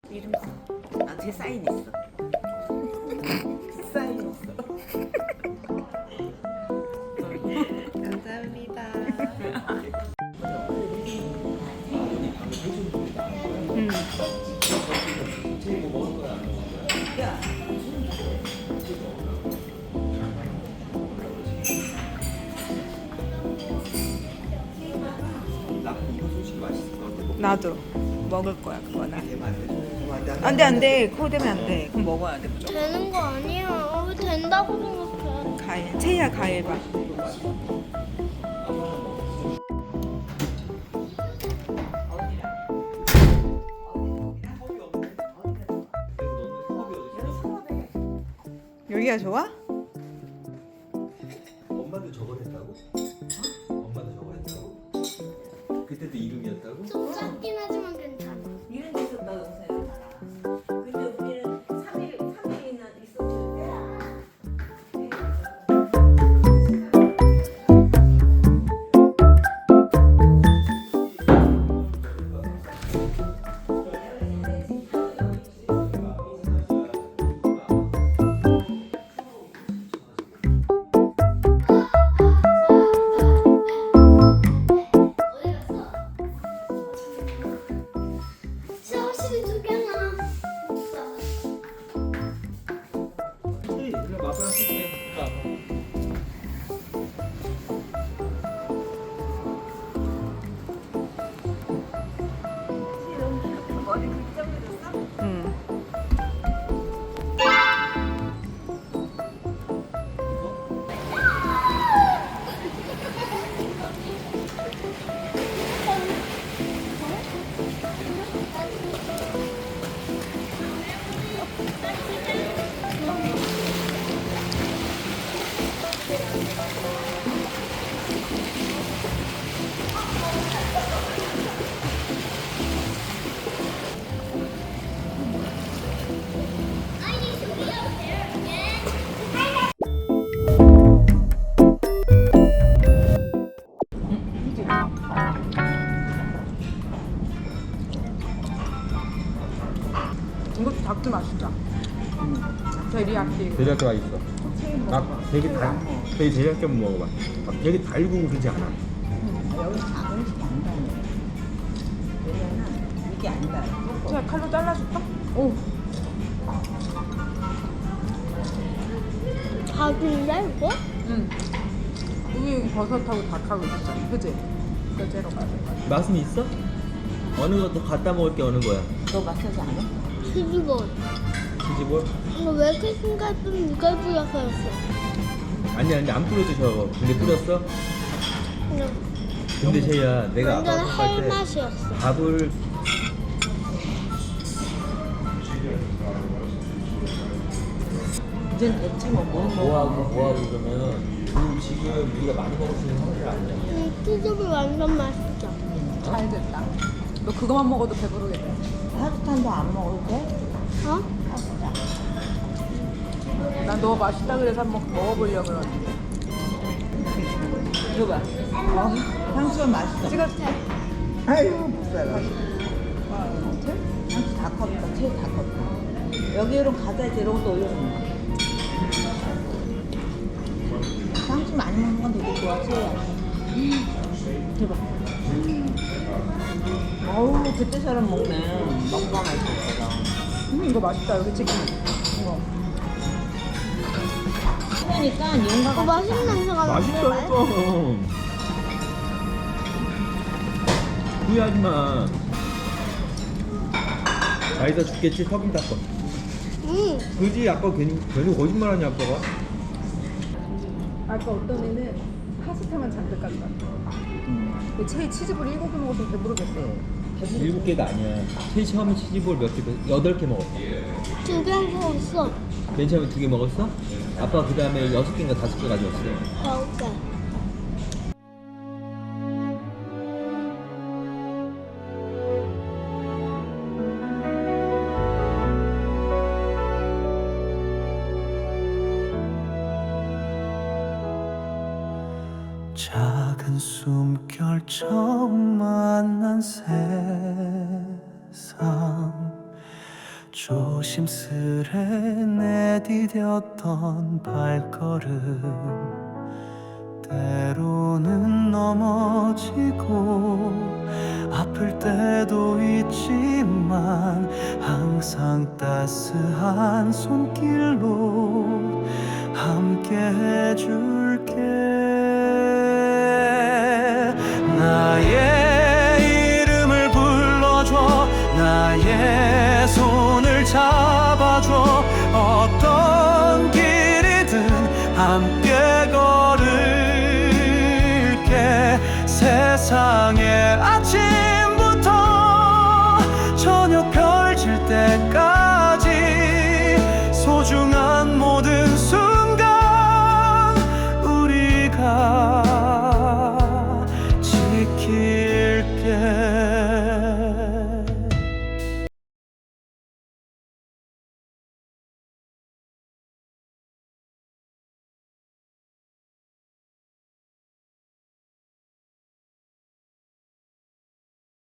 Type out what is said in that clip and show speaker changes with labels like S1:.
S1: 이름 써. 아, 제 사인 있어. 사인 있어. 감사합니다.
S2: 이거 솔직히 맛있을 것 같아.
S1: 나도 먹을 거야 그거는. 안돼 안돼 그거 되면 안돼. 그럼 먹어야 돼 무조건.
S3: 되는 거 아니야. 왜 된다고 생각해?
S1: 과일 채야 과일 봐. 여기가 좋아?
S2: 엄마도 저걸 했다고? 엄마도 저걸 했다고? 그때도 이름이었다고?
S3: 좀 작긴 하지만 괜찮아.
S1: 이런 데 있었다 동생이 알아. 근데 우리는 3일이나 있었는데.
S3: 샤워실이 두 개나.
S2: 일로 마사랑 쓸게.
S1: 머리 그렇게 잘라줬어? 응. 이것도 닭도 맛있다. 데리야끼.
S2: 대략 와 있어. 막 되게 대략 좀 먹어봐. 막 되게 달고 그러지 않아.
S1: 여기 작은 음식이 안 달려. 왜냐면 이게 안 달려. 제가 칼로 잘라줄까? 오.
S3: 닭인데 이거?
S1: 응. 여기 버섯하고 닭하고 있었잖아. 그지? 이거 째러 가야 돼.
S2: 맛은 있어? 어느 것도 갖다 먹을 게 어느 거야?
S1: 너 맛있지 않아?
S3: 치즈볼.
S2: 치즈볼?
S3: 이거 왜 이렇게 생각보면 이걸 뿌려서 했어?
S2: 아니 안 뿌려주셔. 근데 뿌렸어?
S3: 그냥
S2: 근데 쟤야 내가 아빠
S3: 완전
S2: 생각할
S3: 할
S2: 때
S3: 맛이었어.
S2: 밥을
S1: 이젠 대체 뭐
S2: 뭐하고 그러면 그 지금 우리가 많이 먹을 수 있는 상태를 아니야.
S3: 치즈볼 완전 맛있어.
S1: 잘 됐다. 너 그거만 먹어도 배부르겠네. 파스타도 안 먹어도 돼?
S3: 어?
S1: 난 너 맛있다 그래서 한번 먹어보려고 그러는데. 이거 봐. 향수가 맛있어. 찍었지? 아이고, 불쌍해. 향수 다 컸다. 채 다 컸다. 여기로 가자. 이런 것도 올려놓는 거야. 향수 많이 먹는 건 되게 좋아, 채야. 대박. 어우, 그때처럼 먹네. 먹방할 때처럼. 이거 맛있다. 여기 치킨. 이거. 그러니까 용가가
S3: 맛있는 냄새가
S2: 맛있다니까. 후회하지 마. 자기가 죽겠지 턱인 닦고. 그지 아까 괜히 거짓말하냐 아빠가.
S1: 아까 어떤 애는 파스타만 잔뜩 가져갔어. 채 치즈볼 7개 먹어서 배부르겠어.
S2: 7개가 아니야. 제일 처음에 치즈볼 몇 개? 8개 먹었어.
S3: 두개 먹었어.
S2: 맨 처음에 2개 먹었어? 아빠 그 다음에 6개인가 5개 가져왔어.
S3: 먹을게.
S4: 작은 숨결 처음 만난 세상 조심스레 내디뎠던 발걸음 때로는 넘어지고 아플 때도 있지만 항상 따스한 손길로 함께 해줄게. 나의 이름을 불러줘 나의 손을 잡아줘 어떤 길이든 함께 걸을게 세상의 아침